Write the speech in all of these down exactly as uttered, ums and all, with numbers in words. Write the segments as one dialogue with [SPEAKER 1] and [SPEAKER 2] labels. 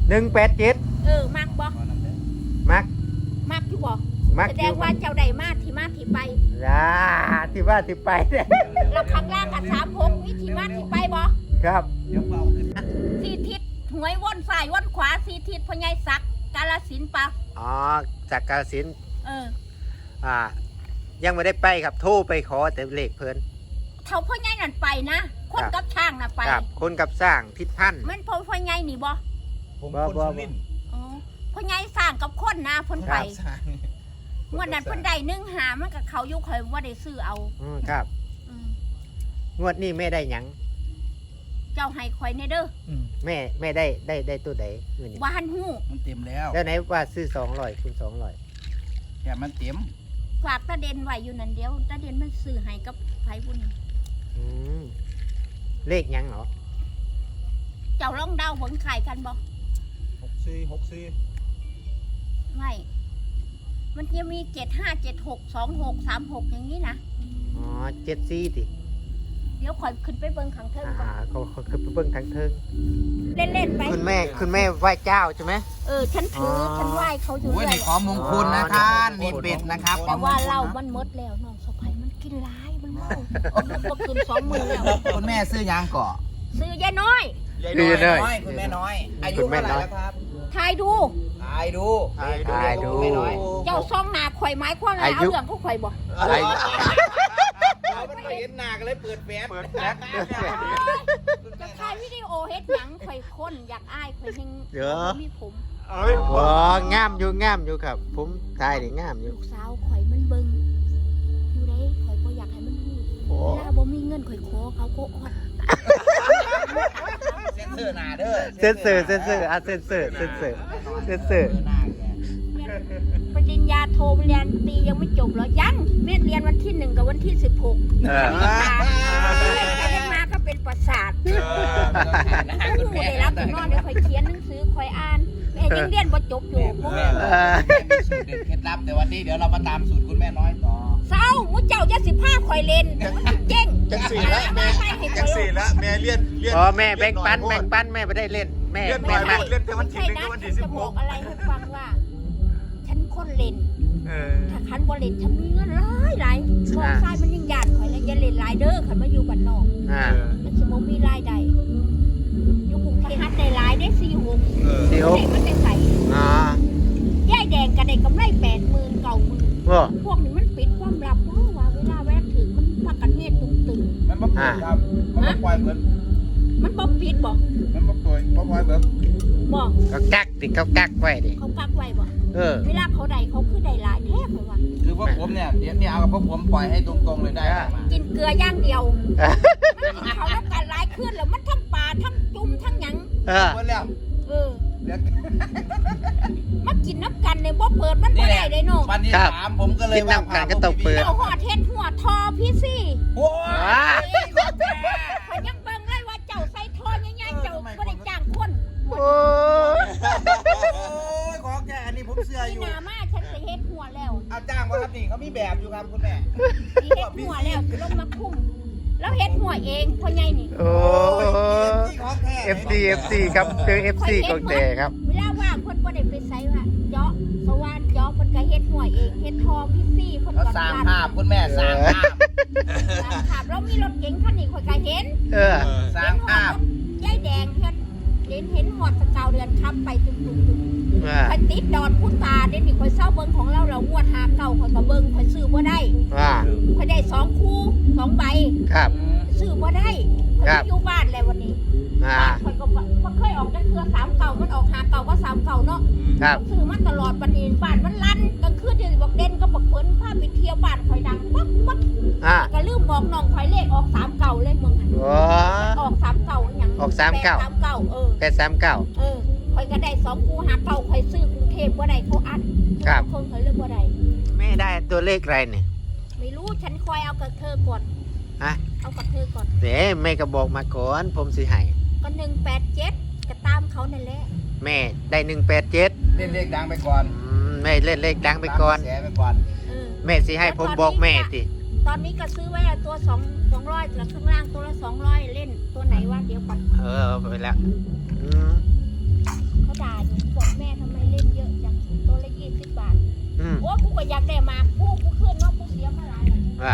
[SPEAKER 1] หนึ่งแปดเจ็ด
[SPEAKER 2] เออมักบ่
[SPEAKER 1] มัก
[SPEAKER 2] มักอยู่บ่
[SPEAKER 1] มัก
[SPEAKER 2] แสดงว่าเจ้าใดมาที่มาที่ไป
[SPEAKER 1] จ้าที่ว่าที่ไป
[SPEAKER 2] แล้วข้างล่างกับสามหกมีที่มาที่ไปบ่
[SPEAKER 1] ครับ
[SPEAKER 2] สี่ทิศหวยวนซ้ายวนขวาสี่ทิศพญายศักดิ์กาฬสินธุ์ปะ
[SPEAKER 1] อ๋อจากกาฬสินธุ์
[SPEAKER 2] เออ
[SPEAKER 1] อ่ายังไม่ได้ไปครับโทรไปขอแต่เลขเพิ่น
[SPEAKER 2] เท่าพ่อใหญ่นั่นไปนะคนกับช่างน่ะไป
[SPEAKER 1] ครับคนกับสร้างทิศพันธุ์
[SPEAKER 2] มันพ่อพ่อใหญ่นี่บ่
[SPEAKER 1] ผมคนสุรินทร์
[SPEAKER 2] อ๋อพ่อใหญ่สร้างกับคนนะเพิ่นไปงวดนั้นเพิ่นได้หนึ่งหามันกับเขาอยู่ข่อยว่าได้ซื้อเอา
[SPEAKER 1] อืมครับงวดนี้แม่ได้หยัง
[SPEAKER 2] เจ้าให้ข่อยในเด้อ
[SPEAKER 1] แม่แม่ได้ได้ได้ตัวใด
[SPEAKER 2] ว่าหันหู
[SPEAKER 3] มันเต็มแล้ว
[SPEAKER 1] แล้วไหนว่าซื้อสองร้อยคูณสองร้อย
[SPEAKER 3] แค่มันเต็ม
[SPEAKER 2] ฝากตาเด่นไว้อยู่นั่นเดียวตาเด่นมันซื้อให้กับไผบุญ
[SPEAKER 1] เลขยังเหรอ
[SPEAKER 2] เจ้าลองเดาผลขายกันบ่
[SPEAKER 3] หกสี่หกสี่
[SPEAKER 2] ไม่มันจะมีเจ็ดห้าเจ็ดหกสองหกสามหกอย่างนี้นะ
[SPEAKER 1] อ๋อเจ็ดสี่ดิ
[SPEAKER 2] เดี๋ยวคอยขึ้นไปเบิ้งขังเทิงก่อน
[SPEAKER 1] อ่าเขาเขาขึ้นไปเบิ้งขังเทิง
[SPEAKER 2] เล่นเล่นไป
[SPEAKER 1] คุณแม่คุณแม่ไหว้เจ้าใช่ไหม
[SPEAKER 2] เออฉันถือฉันไหว้เขาอยู่
[SPEAKER 3] ด้วยนี่ของมงคลนะท่านนี่เป็ดนะครับ
[SPEAKER 2] แต่ว่าเรามันมดแล้วน้องสะใภ้มันกินร้ายมันเมามันก็คืนสองมือแล้ว
[SPEAKER 3] คุณแม่ซื้อยางเกาะ
[SPEAKER 2] ซื้อยายน้อย
[SPEAKER 3] ยายน้อยคุณแม่น้อยอายุเท่าไหร่แล้วครับ
[SPEAKER 2] ทายดู
[SPEAKER 3] ทายดู
[SPEAKER 1] ทายดู
[SPEAKER 2] เจ้าซองหนาข่อยไม้คว้างอะไรเอาเรื่องพวกข่อยบ่
[SPEAKER 3] อะไรเราไม่เห็นหนาก็เลยเปิดแฟลชเปิดแฟลช
[SPEAKER 2] จะถ่ายวิดีโอเฮ็ดหยังข่อยคนอยากอายข่อยเฮงมีผม
[SPEAKER 1] อ๋องามอยู่งามอยู่ครับผมถ่ายนี่งามอยู่
[SPEAKER 2] ลูกสาวข่อยมันเบิ่งอยู่ได้ข่อยก็อยากให้มันฮู้เวลาบ่มีเงินข่อยขอเขาก็อด
[SPEAKER 3] เซนเซอร์หนาเด้อ
[SPEAKER 1] เซนเซอร์เซนเซอร์อ่ะเซนเซอร์เซนเซอร์เซนเซอร์
[SPEAKER 2] ปริญญาโทเรียนตียังไม่จบหรอยังแม่เรียนวันที่หนึ่งกับวันที่สิบหกไปเรียนมาก็เป็นประสาทผู้ได้รับนอนเดี๋ยวคอยเขียนหนังสือคอยอ่านแม่ยังเรียนบ่จบอยู่
[SPEAKER 3] แม่มีสูตรเด็ดเคล็ดลับแต่วันนี้เดี๋ยวเรามาตามสูตรคุณแม่น้อยต่อ
[SPEAKER 2] เศร้ามุ้เจ้าจะสิบห้าคอยเล่นเจ๊ง
[SPEAKER 4] จังสี่ละแม่จังสี่ละแม่เลี้ยนเลี้ยน
[SPEAKER 1] อ๋อแม่แบ่งปันแบ่งปันแม่ไม่ได้เล่นแม่
[SPEAKER 4] แม่มาเล่นแต่วันที่หนึ่งกับวันที่สิบหก
[SPEAKER 2] อะไรให้ฟังว่าฉันคนเล่นถ้าคันบอลเล่นฉันมีเงินหลายหลายมองซ้ายมันยังหยาดข่อยแล้วอย่าเล่นหลายเด้อขันมาอยู่บ้านนอกมันจะบ่มีรายได้อยู่กรุงเทพฮัทได้หลายได้สี่หกสี่หกมันได้ใส่ย่ายแดงก็ได้กำไรแปดหมื่นเก้าหมื่นพวกนี้มันปิดความลับเพราะว่าเวลาแวะถึงมันพักกันเฮ็ดตุ้มตึง
[SPEAKER 3] มันบ่ปิดครับมันบ่ปล่อยเหมือน
[SPEAKER 2] มันบ่ปิดบ่
[SPEAKER 3] มันบ่ปล่อยบ่ปล่อยแบบ
[SPEAKER 2] บ่
[SPEAKER 1] เขากักดิเขากักไว้ดิ
[SPEAKER 2] เขากักไว้บ่
[SPEAKER 1] เออ
[SPEAKER 2] เวลาเขาได้เขาคือได้หลายแท้เพราะว่า
[SPEAKER 3] คือพวกผมเนี่ยเดี๋ยวนี่เอากับพวกผมปล่อยให้ตรงๆเลยได้
[SPEAKER 2] กินเกลือย่างเดียวมันเขารับการหลายขึ้นแล้วมันทั้งปลาทั้งจุ่มทั้งหยัง
[SPEAKER 1] เออ
[SPEAKER 3] แล้ว
[SPEAKER 2] เออมากินน้ำกันเนี่ยบ่เปิดมันบ่ได้เลยเนาะ
[SPEAKER 3] วันที่สามผมก็เลย
[SPEAKER 1] กินน้ำกันก็ต้องเปิด
[SPEAKER 2] เราหอดเฮ็ดหัวทอพี่สิ
[SPEAKER 3] โอ้
[SPEAKER 2] ยเขายังเบิ่งเลยว่าเจ้าใส่ทอง่ายๆเจ้าบ่ได้จ้างคน
[SPEAKER 1] โอ้
[SPEAKER 3] ยขอแค่อันนี้ผมเสื้ออยู่
[SPEAKER 2] หน้ามาฉันจะเฮ็ดหัวแล้ว
[SPEAKER 3] เอาจ้างว่าครับนี่เขามีแบบอยู่ครับคุณแม่
[SPEAKER 2] เฮ็ดหัวแล้วลงมาคุ้มแล้วเฮ็ดหัวเองพ่อใหญ่นี่
[SPEAKER 1] โอ้ เอฟ ซี เอฟ ซี ครับเจอ เอฟ ซี ของแต่ครับ
[SPEAKER 2] เวลาว่างเพิ่นบ่ได้ไปไสว่าเจาะสว่านเจาะเพิ่นก็เฮ็ดหัวเองเฮ็ดทอพี่ซี่เพิ่นก็
[SPEAKER 3] สร้างภาพคุณแม่สร้างภาพ
[SPEAKER 2] สร้างภาพแล้วมีรถเก๋งคันนี้ข่อยก็เห็น
[SPEAKER 1] เออ
[SPEAKER 3] สร้างภาพ
[SPEAKER 2] ยายแดงเฮ็ดเห็นเห็นหอดสกาวเดือนค้ำไปตุ้มๆๆข่อยติดดอนพุตาเดี๋ยวนี้ข่อยเซาเบิ่งของเราเรางวดหาเก่าข่อยก็เบิ่งข่อยซื้อบ่ได้
[SPEAKER 1] ว่า
[SPEAKER 2] ข่อยได้สองคู่สองใบ
[SPEAKER 1] ครับ
[SPEAKER 2] ซื้อบ่ได้ข่อยอยู่บ้านแล้ววันนี้
[SPEAKER 1] อ่า
[SPEAKER 2] ข่อยก็บ่เคยออกจักเทื่อสามเก่ามันออกหาเก่าก็สามเก่าเนาะ
[SPEAKER 1] ครับ
[SPEAKER 2] ซื้อมาตลอดบัดนี้บ้านมันลั่นกลางคืนเดี๋ยวบอกเด่นก็บอกเพิ่นพาไปเที่ยวบ้านข่อยดังปั๊บปั๊บ
[SPEAKER 1] อ่า
[SPEAKER 2] ก็ลืมบอกน้องข่อยเลขออกสามเก่าเลยมึงอ่ะ
[SPEAKER 1] โอ้
[SPEAKER 2] ออกสามเก่าหยัง
[SPEAKER 1] ออกสามเก่า
[SPEAKER 2] สามเก่าเออ
[SPEAKER 1] แปดสามเก่า
[SPEAKER 2] เออข่อยก็ได้สองคู่หาเก่าข่อยซื้อกรุงเทพบ่ได้เขาอัด
[SPEAKER 1] ครับ
[SPEAKER 2] คนข่อยเลยบ่ได้
[SPEAKER 1] แม่ได้ตัวเลขอะไรเนี่ย
[SPEAKER 2] ไม่รู้ฉันคอยเอากับเธอก่อน
[SPEAKER 1] ฮะ
[SPEAKER 2] เอากับเธอก่อน
[SPEAKER 1] เดี๋ยวแม่ก็บอกมาก่อนผมสิให้
[SPEAKER 2] ก็หนึ่งแปดเจ็ดก็ตามเขานั่นแหละ
[SPEAKER 1] แม่ได้หนึ่งแปดเจ็ด
[SPEAKER 3] เล่นเลขดังไปก่อน
[SPEAKER 1] แม่เล่นเลขดังไปก่อน
[SPEAKER 3] แสไปก่อน
[SPEAKER 1] แม่สิให้ผมบอกแม่สิ
[SPEAKER 2] ตอนนี้ก็ซื้อไว้ตัวสองสองร้อยแล้วข้างล่างตัวละสองร้อยเล่นตัวไหนวะเดี๋ยวก่อน
[SPEAKER 1] เออไปแล้ว
[SPEAKER 2] เขาด่ามากผู้ผู้ขึ้นเนาะผู้เสียมาหลายแล้ว
[SPEAKER 1] ว่า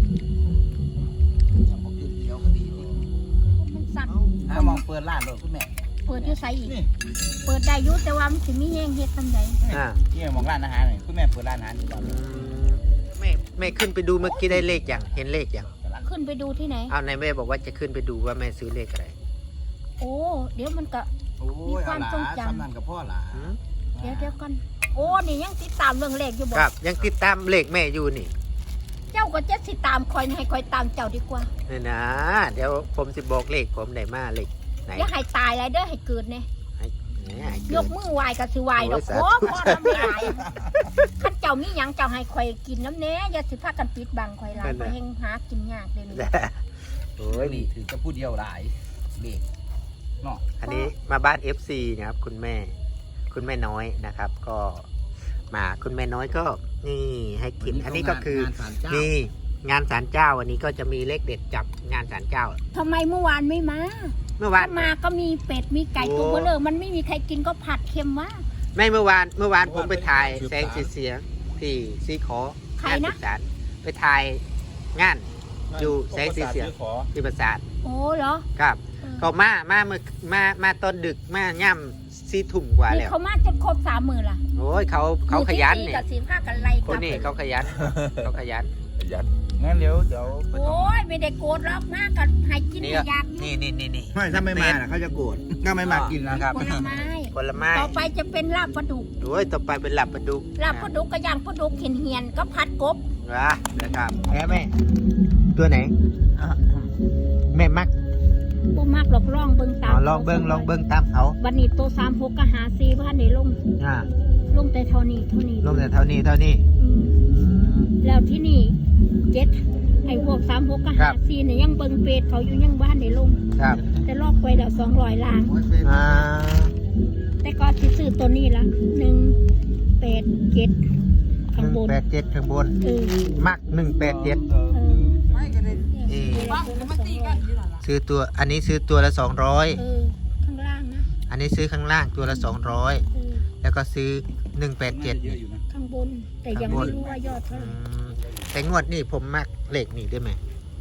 [SPEAKER 3] ถ้าบอกขึ้นเดียวก็ดีดิ
[SPEAKER 2] มันสั่ง
[SPEAKER 3] ถ้ามองเปิดร้านเลยคุณแม่
[SPEAKER 2] เปิดอยู่ไสอีกเปิดได้อยู่แต่ว่ามันสิมีแฮงเฮ็ดทำได
[SPEAKER 1] อ่า
[SPEAKER 3] ที่มองร้านอาหารหน่อยคุณแม่เปิดร้านอาหารอยู่ตอน
[SPEAKER 1] อื
[SPEAKER 3] นี้
[SPEAKER 1] มแม่แม่ขึ้นไปดูเมื่อกี้ได้เลขอย่างเห็นเลขอย่าง
[SPEAKER 2] ขึ้นไปดูที่ไหน
[SPEAKER 1] เอาในแม่บอกว่าจะขึ้นไปดูว่าแม่ซื้อเลขอะไร
[SPEAKER 2] โอ้เดี๋ยวมันก็
[SPEAKER 3] โอ้ยเอาหลาสำนันกับพ่อหลา
[SPEAKER 1] หืม
[SPEAKER 2] เดี๋ยวเดี๋ยวก่อนโอ้นี่ยังติดตามเรื่องเลขอยู่บ่
[SPEAKER 1] ครับยังติดตามเลขแม่อยู่นี่
[SPEAKER 2] เจ้าก็จะสิตามคอยให้คอยตามเจ้าดีกว่า
[SPEAKER 1] นี่นะเดี๋ยวผมสิบอกเลขผมได้มาเลขไหน
[SPEAKER 2] อย่าให้ตายเลยเด้อให้เกิดเนี่ย
[SPEAKER 1] ให้ให้
[SPEAKER 2] ย
[SPEAKER 1] เกิ
[SPEAKER 2] ก
[SPEAKER 1] น
[SPEAKER 2] มือไหวก็สิไหวดอก
[SPEAKER 1] โอ้
[SPEAKER 2] โอ้
[SPEAKER 1] ยสาธุ
[SPEAKER 2] พ่อทำไม่หลายข้าเจ้ามีหยังเจ้าให้คอยกินน้ำเนี้ยอย่าสิพากันปิดบังคอยหลายคอยเฮงหากินยากเดี๋ยวนี้
[SPEAKER 1] โอ้
[SPEAKER 3] โอ้
[SPEAKER 1] ย
[SPEAKER 3] ยนี่ถือจะพูดเดียวหลายเด็กเนาะ
[SPEAKER 1] อันนี้มาบ้าน เอฟ ซี นะครับคุณแม่ คุณแม่น้อยนะครับ ก็มาคุณแม่น้อยก็นี่ให้กิน อันนี้ก็คือนี่งานศาลเจ้าวันนี้ก็จะมีเลขเด็ดจับงานศาลเจ้า
[SPEAKER 2] ทำไมเมื่อวานไม่มา
[SPEAKER 1] เมื่อวาน
[SPEAKER 2] ถ้ามาก็มีเป็ดมีไก่
[SPEAKER 1] โอ้
[SPEAKER 2] ตัวเบลเลอมันไม่มีใครกินก็ผัดเค็มวะ
[SPEAKER 1] ไม่เมื่อวานเมื่อวานผมไปถ่ายแสงสีเสียงที่ซีขอ
[SPEAKER 2] ใครง
[SPEAKER 1] าน
[SPEAKER 2] นะ
[SPEAKER 1] ประสานไปถ่ายงานอยู่แสงสีเสียงที่ประสาน
[SPEAKER 2] โอ้เหรอ
[SPEAKER 1] ครับ
[SPEAKER 2] เออ
[SPEAKER 1] เขามามาเมื่อมามาตอนดึกมาย่ำซีทุ่มกว่า
[SPEAKER 2] นี่
[SPEAKER 1] แล้ว
[SPEAKER 2] เขามาจนครบสามหมื่นละ
[SPEAKER 1] โอ้ยเขาเขาขยัน
[SPEAKER 2] เนี่
[SPEAKER 1] เนี่ย
[SPEAKER 2] กับสีผ้ากันไล่
[SPEAKER 1] คนนี้เขาขยันเขาขยัน
[SPEAKER 4] ยัด
[SPEAKER 3] งั้นเดี๋ยวเดี๋ยวไปทำ
[SPEAKER 2] โอ้ยไม่ได้โกรธหรอกมากันให้กิน
[SPEAKER 1] นี่
[SPEAKER 2] ให้
[SPEAKER 1] ก็
[SPEAKER 2] อยาก
[SPEAKER 1] นี่นี่นี่นี่
[SPEAKER 3] ไม่ถ้าไม่มาน่ะเขาจะโกรธถ้าไม่มากินนะครับ
[SPEAKER 2] ผลไม้
[SPEAKER 1] ผลไม้
[SPEAKER 2] ต่อไปจะเป็นลาบปลาดุก
[SPEAKER 1] โอ้ยต่อไปเป็นหลับประดุก
[SPEAKER 2] ลาบปลาดุกก็ย่างปลาดุกเหียนเหียนๆก็ผัดกบ
[SPEAKER 1] วะนะครับแม่แม่ตัวไหนแม่มัก
[SPEAKER 2] บ่มากหรอกลองเบิ่ง
[SPEAKER 1] อ๋
[SPEAKER 2] ตา
[SPEAKER 1] อ
[SPEAKER 2] ม
[SPEAKER 1] ลองเบิ้งลองเบิ้งตามเขา
[SPEAKER 2] วันนี้โตสามหกก็หาซีพันในลง
[SPEAKER 1] อ่า
[SPEAKER 2] ลงแต่เท่านี้เท่านี้
[SPEAKER 1] ลงแต่เท่านี้เท่านี้
[SPEAKER 2] อืมแล้วที่นี่เจ็ดไอ้พวกสามหกก็
[SPEAKER 1] ครั
[SPEAKER 2] หา
[SPEAKER 1] บ
[SPEAKER 2] ซีเนี่ยยังเบิ่งเป็ดเขาอยู่ยังบ้านในลง
[SPEAKER 1] ครับ
[SPEAKER 2] แต่ลอกไปแล้วสองร้อยล้าน
[SPEAKER 1] อ่า
[SPEAKER 2] แต่ก็สิซื้อตัวนี้ละหนึ่งแปดเจ็ด
[SPEAKER 1] ห
[SPEAKER 2] ข้าง
[SPEAKER 1] นึ่ง
[SPEAKER 2] บน
[SPEAKER 1] แปดเจ็ดข้างบน
[SPEAKER 2] เออ
[SPEAKER 1] มักหนึ่งแปดเจ็ด
[SPEAKER 2] เออ
[SPEAKER 3] ไม่ก็ได้
[SPEAKER 1] เออ
[SPEAKER 2] เออมันตีกัน
[SPEAKER 1] ซื้อตัวอันนี้ซื้อตัวละสองร้อย
[SPEAKER 2] เออข้างล่างนะ
[SPEAKER 1] อันนี้ซื้อข้างล่างตัวละสองร้อย
[SPEAKER 2] เออ
[SPEAKER 1] แล้วก็ซื้อหนึ่งแปดเจ็ด
[SPEAKER 3] เยอะอยู่นะ
[SPEAKER 2] ข้างบน แต่ยังไม่รู้ว่ายอดเท่าไหร่
[SPEAKER 1] แต่งวดนี่ผมมักเลขนี่ได้ไหม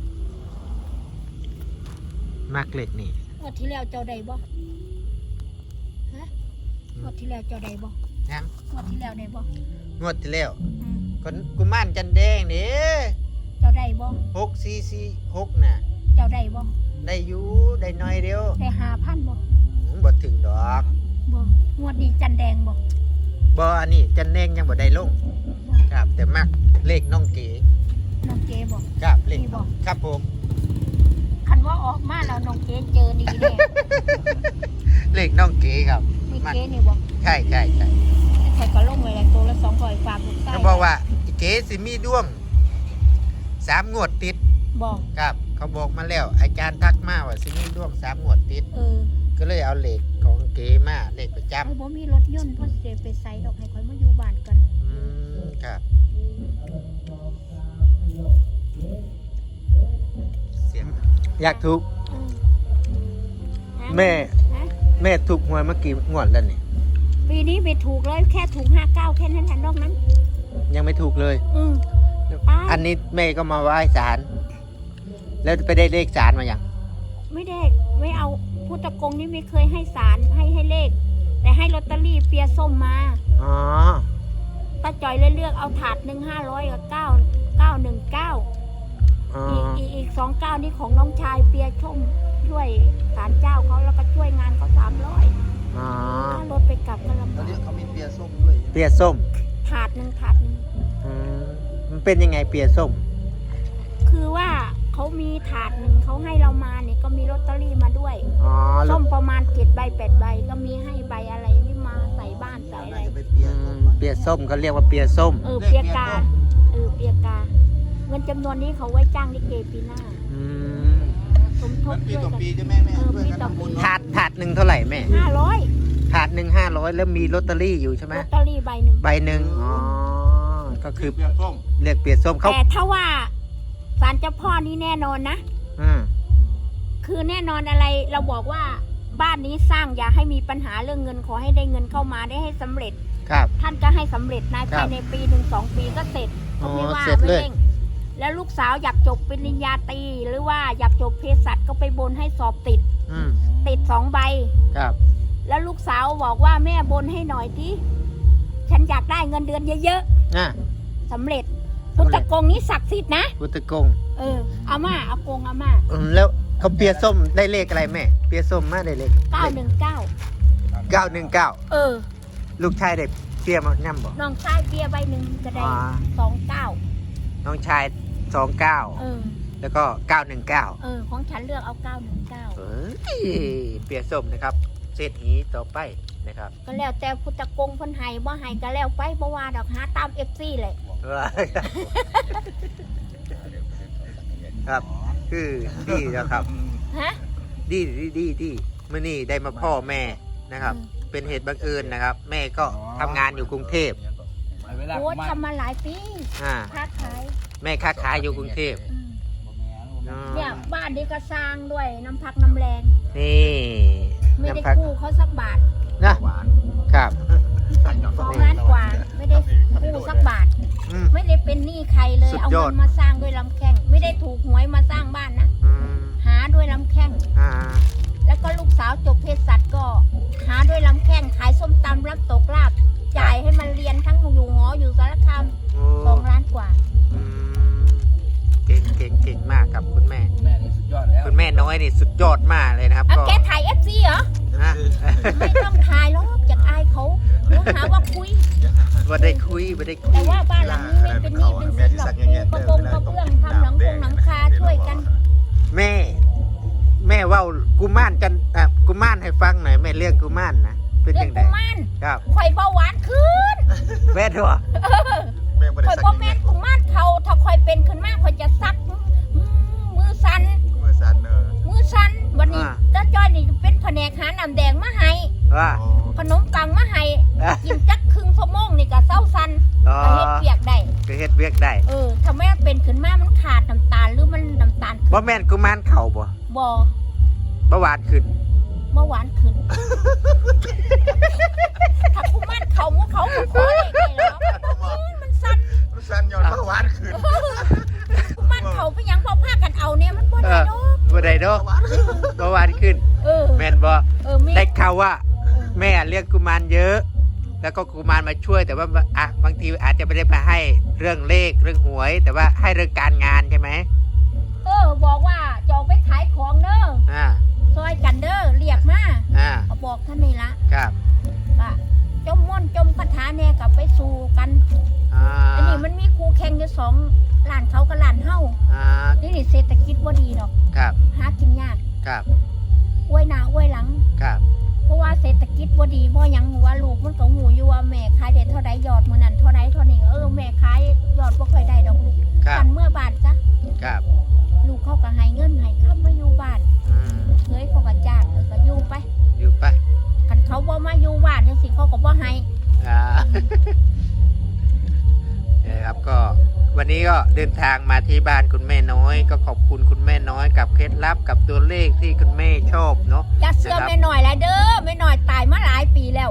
[SPEAKER 1] มักเลขนี่
[SPEAKER 2] งวดที่แล้วเจ้าใดบ่ฮะงวดที่แล้วเจ้าใดบ่
[SPEAKER 1] ยัง
[SPEAKER 2] งวดที่แล้วใดบ่
[SPEAKER 1] งวดที่แล้ว
[SPEAKER 2] อืม
[SPEAKER 1] ก็กุมารจันแดงนี่
[SPEAKER 2] เจ้าใดบ่
[SPEAKER 1] หกสี่สี่หกน่ะ
[SPEAKER 2] เจ้าใดบ่
[SPEAKER 1] ได้อยู่ได้น้อยเดียว
[SPEAKER 2] ได้หาพันบ่
[SPEAKER 1] บ่ถึงดอก
[SPEAKER 2] บ่งวดนี้จันแดงบ่
[SPEAKER 1] บ่อันนี้จันแดงยังบ่ได้ลงครับ แต่มักเลขน้องเก๋
[SPEAKER 2] น้องเก๋บ่
[SPEAKER 1] ครับเลข
[SPEAKER 2] นี่บ่
[SPEAKER 1] ครับผม
[SPEAKER 2] คันว่าออกมาแล้วน้องเก๋เจอดีแน่
[SPEAKER 1] เลขน้องเก๋ครับ
[SPEAKER 2] มีเก๋นี่บ่
[SPEAKER 1] ใช่ใช่ใช่
[SPEAKER 2] ใครก็ลงไว้แล้วตัวละสองร้อยฝากลูกชาย
[SPEAKER 1] เขาบอกว่าเก๋สิมีดวงสามงวดติด
[SPEAKER 2] บอก
[SPEAKER 1] ครับ เขาบอกมาแล้ว อาจารย์ทักมาว่าสิมีดวงสามงวดติด
[SPEAKER 2] เออ
[SPEAKER 1] ก็เลยเอาเลขของเก๋มาเลขประจ
[SPEAKER 2] ไอ้บ่มีรถยนต์เพราะสิไปไสดอกให้ข่อยมาอยู่บ้านกัน
[SPEAKER 1] ำอืมครับเสียงอยากถูก
[SPEAKER 2] เออหา
[SPEAKER 1] แม่
[SPEAKER 2] ฮะ
[SPEAKER 1] แม่ถูกหวยเมื่อกี้งวดแล้วนี่
[SPEAKER 2] ปีนี้ไปถูกเลยแค่ถูกห้าเก้าแค่นั้นแหละนอกนั้น
[SPEAKER 1] ยังไม่ถูกเลย
[SPEAKER 2] อืม ตาย
[SPEAKER 1] อันนี้แม่ก็มาไหว้ศาลแล้วไปได้เลขศาลมาอย่าง
[SPEAKER 2] ไม่ได้ไม่เอาพุทธกงนี่ไม่เคยให้สารให้ให้เลข แต่ให้ลอตเตอรี่เปียส้มมา
[SPEAKER 1] อ๋อ
[SPEAKER 2] ป้าจอยเลยเลือกเอาถาดหนึ่งห้าร้อยกับเก้าเก้าหนึ่งเก้า
[SPEAKER 1] อ๋อ
[SPEAKER 2] อีกอีกอีกสองเก้านี่ของน้องชายเปียส้มช่วยศาลเจ้าเขาแล้วก็ช่วยงานเขาสามร้อย
[SPEAKER 1] อ๋อ
[SPEAKER 2] ถ้ารถไปกลับก็ลำ
[SPEAKER 3] ตอน
[SPEAKER 2] บาก
[SPEAKER 3] นี้เขามีเปียส้มด้วย
[SPEAKER 1] เปียส้ม
[SPEAKER 2] ถาดหนึ่งถาดหนึ่ง
[SPEAKER 1] อืมมันเป็นยังไงเปียส้ม
[SPEAKER 2] คือว่าเขามีถาดหนึ่งเขาให้เรามาเนี่ยก็มีลอตเตอรี่มาด้วย
[SPEAKER 1] อ๋อลู
[SPEAKER 2] ส้
[SPEAKER 1] ก
[SPEAKER 2] มประมาณเจ็ดใบแปดใบก็มีให้ใบอะไรนี่มาใส่บ้านใส่อะไร
[SPEAKER 3] จะไปเปีย
[SPEAKER 1] อื
[SPEAKER 3] ส้
[SPEAKER 1] ม
[SPEAKER 3] ม
[SPEAKER 1] เปียส้มเขาเรียกว่าเปียส้ม
[SPEAKER 2] เออเปียกาเออเปียกา เงินจำนวนนี้เขาไว้จ้างลิเกปีหน้า
[SPEAKER 1] อืม
[SPEAKER 2] สมท
[SPEAKER 3] มั
[SPEAKER 2] บ
[SPEAKER 3] นปี
[SPEAKER 2] ด้วย
[SPEAKER 3] ต่อ
[SPEAKER 2] กัน
[SPEAKER 3] ปีจะแม่แม่
[SPEAKER 2] เออ
[SPEAKER 3] ช่วย
[SPEAKER 2] ปี
[SPEAKER 3] กัน
[SPEAKER 2] ต่อ
[SPEAKER 3] ทำ
[SPEAKER 2] ปี
[SPEAKER 3] บุญ
[SPEAKER 1] ถาดถาดหนึ่งเท่าไหร่แม่
[SPEAKER 2] ห้าร้อย
[SPEAKER 1] ถาดหนึ่งห้าร้อยแล้วมีลอตเตอรี่อยู่ใช่ไหม
[SPEAKER 2] ลอตเตอรี่ใบหนึ่ง
[SPEAKER 1] ใบหนึ่งอ๋อ ก็คือ
[SPEAKER 3] เปียส้ม
[SPEAKER 1] เรียกเปียส้มเขา
[SPEAKER 2] แต่ถ้าว่าศาลเจ้าพ่อนี่แน่นอนนะ
[SPEAKER 1] อืม
[SPEAKER 2] คือแน่นอนอะไรเราบอกว่าบ้านนี้สร้างอย่าให้มีปัญหาเรื่องเงินขอให้ได้เงินเข้ามาได้ให้สำเร็จ
[SPEAKER 1] ครับ
[SPEAKER 2] ท่านก็ให้สำเร็จนาย
[SPEAKER 1] ครับ
[SPEAKER 2] ภายในปีหนึ่งสองปีก็เสร็จ
[SPEAKER 1] อ๋อ
[SPEAKER 2] ไม่ว่า
[SPEAKER 1] เสร็จ
[SPEAKER 2] ไม่
[SPEAKER 1] เลย
[SPEAKER 2] เร่งแล้วลูกสาวอยากจบปริญญาตรีหรือว่าอยากจบเภสัชก็ไปบนให้สอบติด
[SPEAKER 1] อืม
[SPEAKER 2] ติดสองใบ
[SPEAKER 1] ครับ
[SPEAKER 2] แล้วลูกสาวบอกว่าแม่บนให้หน่อยที่ฉันอยากได้เงินเดือนเยอะ
[SPEAKER 1] อ่ะ
[SPEAKER 2] ๆสำเร็จ
[SPEAKER 1] สำ
[SPEAKER 2] พุท
[SPEAKER 1] เร็
[SPEAKER 2] ธ
[SPEAKER 1] จ
[SPEAKER 2] กงนี้ศักดิ์สิทธิ์นะ
[SPEAKER 1] พุทธกง
[SPEAKER 2] เอออาม่าอากงอาม่า
[SPEAKER 1] อืมแล้วเขาเปียส้มได้เลขอะไรแม่ เปียส้มมาได้เลข
[SPEAKER 2] เก้าหนึ่งเก้า
[SPEAKER 1] เก้าหนึ่งเก้า
[SPEAKER 2] เออ
[SPEAKER 1] ลูกชายได้เปียมาย่ำบ่
[SPEAKER 2] น้องชายเบียร์ใบหนึ่งก็ได้
[SPEAKER 1] อ๋อ
[SPEAKER 2] สองเก้า
[SPEAKER 1] น้องชายสองเก้า
[SPEAKER 2] เออ
[SPEAKER 1] แล้วก็เก้าหนึ่งเก้า
[SPEAKER 2] เออ ของฉันเลือกเอาเก้าหนึ่งเก้า
[SPEAKER 1] เอ้ยเปียส้มนะครับเศรษฐีต่อไปนะครับ
[SPEAKER 2] ก็แล้วแต่พุทธกงเพันไห้บ่ไห้ก็แล้วไปบ่ว่าดอกหาตามเอฟซีเลย
[SPEAKER 1] ครับคือดีนะครับ
[SPEAKER 2] ฮะ
[SPEAKER 1] ดีดีดีดีเมื่อนี้ได้มาพ่อแม่นะครับ เป็นเหตุบังเอิญนะครับ แม่ก็ทำงานอยู่กรุงเทพ
[SPEAKER 3] เวลา
[SPEAKER 2] โอ้ทำมาหลายปี
[SPEAKER 1] อ่า
[SPEAKER 2] ค้าขาย
[SPEAKER 1] แม่ค้าขายอยู่กรุงเทพ
[SPEAKER 2] อืม
[SPEAKER 1] อ๋อ
[SPEAKER 2] เนี่ยบ้านนี้ก็สร้างด้วยน้ำพักน้ำแรง
[SPEAKER 1] นี่
[SPEAKER 2] ไม่ได้
[SPEAKER 1] น้ำพัก
[SPEAKER 2] กู้เขาสักบาท
[SPEAKER 1] นะครับ
[SPEAKER 2] สองล้านกว่า ไม่ได้กู้สักบาท
[SPEAKER 1] อืม
[SPEAKER 2] ไม่ได้เป็นหนี้ใครเลย
[SPEAKER 1] สุด
[SPEAKER 2] เอา
[SPEAKER 1] ยอ
[SPEAKER 2] เงิ
[SPEAKER 1] ด
[SPEAKER 2] นมาสร้างด้วยลำแข้งไม่ได้ถูกหวยมาสร้างบ้านนะ
[SPEAKER 1] อืม
[SPEAKER 2] หาด้วยลำแข้ง
[SPEAKER 1] อ่า
[SPEAKER 2] แล้วก็ลูกสาวจบเภสัชก็หาด้วยลำแข้งขายส้มตำรับตกลาบจ่ายให้มันเรียนทั้งอยู่หออยู่สารคาม
[SPEAKER 1] โอ้
[SPEAKER 2] สองล้านกว่า
[SPEAKER 1] อืมเก่งเก่งเก่งมากครับคุณแม่
[SPEAKER 3] แม่นี่สุดยอดแล้ว
[SPEAKER 1] คุณแม่น้อยนี่สุดยอดมากเลยนะครับ
[SPEAKER 2] อ่ะ
[SPEAKER 1] ก็
[SPEAKER 2] แกถ่ายเอฟซีเหรอ
[SPEAKER 1] ฮะ
[SPEAKER 2] ไม่ต้องถ่ายหรอกจากอายเขาเดี๋ยวหาว่าคุย
[SPEAKER 1] ว่าได้คุยว่าได้คุ
[SPEAKER 2] แต่
[SPEAKER 1] ย
[SPEAKER 2] ว่าบ้านหลังนี้ไม่เป็นหนี้เป็นสินหรอกปูกระบงกระเบื้องทำหลังคงหลังคาช่วยกัน
[SPEAKER 1] แม่ แม่เว่ากุมารกันอ่ะกุมารให้ฟังหน่อยแม่เรื่องกุมารนะเป็น
[SPEAKER 2] เรื่อ
[SPEAKER 1] ยัง งไง
[SPEAKER 2] กุมาร
[SPEAKER 1] ครับ
[SPEAKER 2] ข่อยเบาหวานขึ้น
[SPEAKER 1] แม่ถั่ว
[SPEAKER 4] แม่บ่ได้
[SPEAKER 2] ข่อย
[SPEAKER 4] สัก
[SPEAKER 2] บ่
[SPEAKER 4] ยังไง
[SPEAKER 2] แม่นกุมารเขาถ้าข่อยเป็นขึ้นมาข่อยจะซักอืมมือสั่น
[SPEAKER 4] มือสั่นเนอะ
[SPEAKER 2] มือสั่นวันนี้จ้าจ้อยนี่เป็นแผนกหาน้ำแดงมาให้
[SPEAKER 1] ว่า
[SPEAKER 4] อ๋อ
[SPEAKER 2] ขนมปังมาให้กินจักครึ่งชั่วโมงนี่ก็เศร้าสั่น
[SPEAKER 1] อ๋อ
[SPEAKER 2] ก็เฮ็ดเปียกได้
[SPEAKER 1] ก็เฮ็ดเวียกได้
[SPEAKER 2] เออถ้าแม่เป็นขึ้นมามันขาดน้ำตาลหรือมันน้ำตาลขึ้น
[SPEAKER 1] บ่แม่นกุมารเข่าบ่
[SPEAKER 2] บ่
[SPEAKER 1] เบาหวานขึ้น
[SPEAKER 2] เมื่อวานขึ้น ถ้ากุมารเขาหมูเขาก็ขอเลยไงเหรอมันสั่น
[SPEAKER 4] มันสั่นย้อนเมื่อวานคืน
[SPEAKER 2] กุมารเขาไปยังบ่พากันเอาเนี่ยมันบ่ได้ดอก
[SPEAKER 1] บ่ได้ดอกเบาหวานขึ้น
[SPEAKER 2] เออ
[SPEAKER 1] แม่นบ่
[SPEAKER 2] เออแม่
[SPEAKER 1] ได้ข่าวว่า แม่เรียกกุมารเยอะ แล้วก็กุมารมาช่วย แต่ว่าอ่ะบางทีอาจจะไม่ได้มาให้เรื่องเลขเรื่องหวย แต่ว่าให้เรื่องการงานใช่ไหม
[SPEAKER 2] เออบอกว่าจะเอาไปขายของเด้อ
[SPEAKER 1] อ่า
[SPEAKER 2] ซอยกันเด้อเรียกมา
[SPEAKER 1] อ่า
[SPEAKER 2] ก็บอกท่านนี่ละ
[SPEAKER 1] ครับ
[SPEAKER 2] ก็จมม่อนจมคาถาแน่กับไปสู่กัน
[SPEAKER 1] อ่า
[SPEAKER 2] อันนี้มันมีครูแข่งอยู่สองร้านเขากับร้านเฮา
[SPEAKER 1] อ่า
[SPEAKER 2] นี่นี่เศรษฐกิจบ่ดีดอก
[SPEAKER 1] ครับ
[SPEAKER 2] หากินยาก
[SPEAKER 1] ครับ
[SPEAKER 2] อวยหน้าอวยหลัง
[SPEAKER 1] ครับ
[SPEAKER 2] เพราะว่าเศรษฐกิจบ่ดีบ่หยังหัวลูกมันก็หูอยู่ว่าแม่ขายได้เท่าใดยอดมื้อนั้นเท่าใดเท่านี้เออแม่ขายยอดบ่ค่อยได้ดอกลูก
[SPEAKER 1] ครับ
[SPEAKER 2] กันเมื่อบาทจ้ะ
[SPEAKER 1] ครับ
[SPEAKER 2] ลูกเขาก็ให้เงินให้ค้ำมาอยู่บ้าน
[SPEAKER 1] อืม
[SPEAKER 2] เคยเขาก็จ้างเออก็อยู่ไป
[SPEAKER 1] อยู่ไป
[SPEAKER 2] คันเขาบ่มาอยู่บ้านจังซี่เขาก็บ่ให้
[SPEAKER 1] อ่า เนี่ยครับก็วันนี้ก็เดินทางมาที่บ้านคุณแม่น้อย ก็ขอบคุณคุณแม่น้อยกับเคล็ดลับกับตัวเลขที่คุณแม่ชอบเนาะ
[SPEAKER 2] อย่าเชื่อแม่หน่อยละเด้อแม่หน่อยตายมาหลายปีแล้ว